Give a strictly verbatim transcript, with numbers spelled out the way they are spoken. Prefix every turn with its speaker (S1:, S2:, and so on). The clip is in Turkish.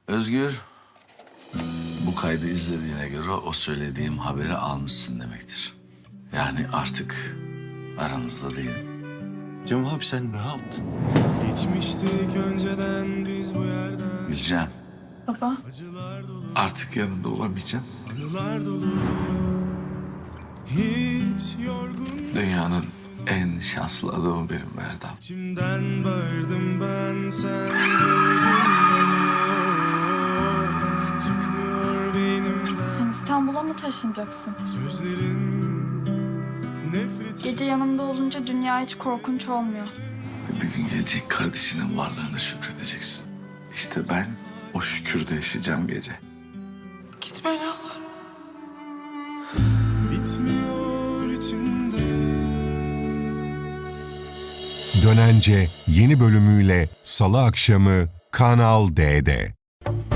S1: Özgür, bu kaydı izlediğine göre o söylediğim haberi almışsın demektir. Yani artık aranızda değilim.
S2: Cem abi sen ne yaptın?
S3: Geçmiştik önceden biz bu yerden.
S1: Gülcan,
S4: Baba,
S3: Acılar dolu,
S1: artık yanında olamayacağım.
S3: anılar dolu. Hiç yorgun
S1: Dünyanın en şanslı adamı benim Erdem.
S3: içimden bağırdım ben, sen duydun mu? Çıkmıyor beynimden
S4: sen İstanbul'a mı taşınacaksın?
S3: sözlerin, nefret.
S4: Gece yanımda olunca dünya hiç korkunç olmuyor.
S1: Bir gün gelecek kardeşinin varlığına şükredeceksin. İşte ben o şükürde yaşayacağım gece.
S4: Gitme ne olur.
S3: Bitmiyor içimde.
S5: Dönence yeni bölümüyle Salı akşamı Kanal D'de.